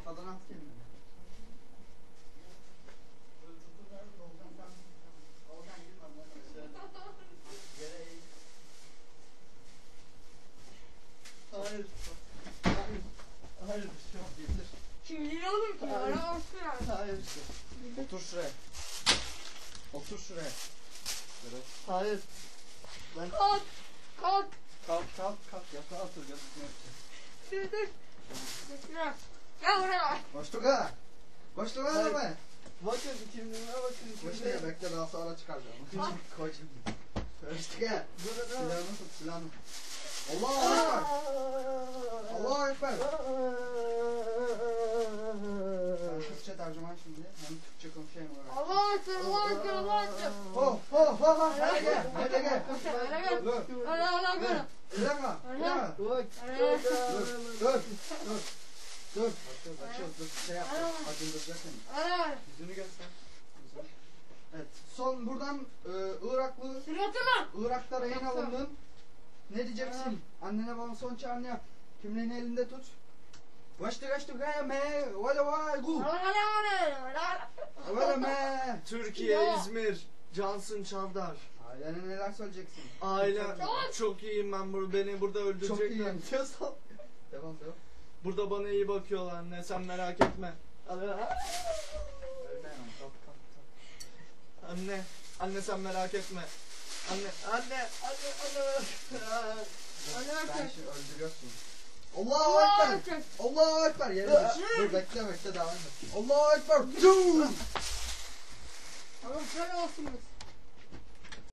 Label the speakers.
Speaker 1: Kafadan at kendini. Hayır. Hayır. Hayır. Şu an getir.
Speaker 2: Kim yiyor oğlum ki? Ara olsun yani.
Speaker 1: Hayır. Otur şuraya. Otur şuraya. Hayır. Ben...
Speaker 2: Kalk. Kalk.
Speaker 1: Kalk. Yatağa otur.
Speaker 2: Dur. Bekle. Gel buraya.
Speaker 1: Koştuk ha be. Bakın kimliğime bakın. Koştuk bekle daha sonra çıkaracağım. Koy şimdi. Koştuk ha. Silahını tut silahını. Allahu Ekber. Allahu Ekber. Ben Türkçe tercüman şimdi. Hem Türkçe konuşayım olarak.
Speaker 2: Allah'a ekber.
Speaker 1: Ho. Hadi gel. Dur.
Speaker 2: Allah.
Speaker 1: İlama. Dur. Dur. Şey yap. Acındıracak seni. Yüzünü göster. Evet. Son buradan Iraklı. Irak'ta rehin alındın. Ne diyeceksin? Annene bana son çağrını yap. Kimliğini elinde tut. Kaçtı gaya me. Vay gu. Vay me.
Speaker 3: Türkiye, İzmir, Cansın Çavdar.
Speaker 1: Ailene neler söyleyeceksin?
Speaker 3: Ailem çok iyiyim ben beni burada
Speaker 1: Çok
Speaker 3: öldürecekler.
Speaker 1: iyiyim diyorsan. Devam.
Speaker 3: Burada bana iyi bakıyorlar anne sen merak etme. Anne sen merak etme. Anne.
Speaker 1: Ben şimdi öldürüyorsun. Allahu Ekber. Allahu Ekber. Yerine dur bekle devam et. Allahu Ekber.
Speaker 2: Tamam şöyle olsun biz.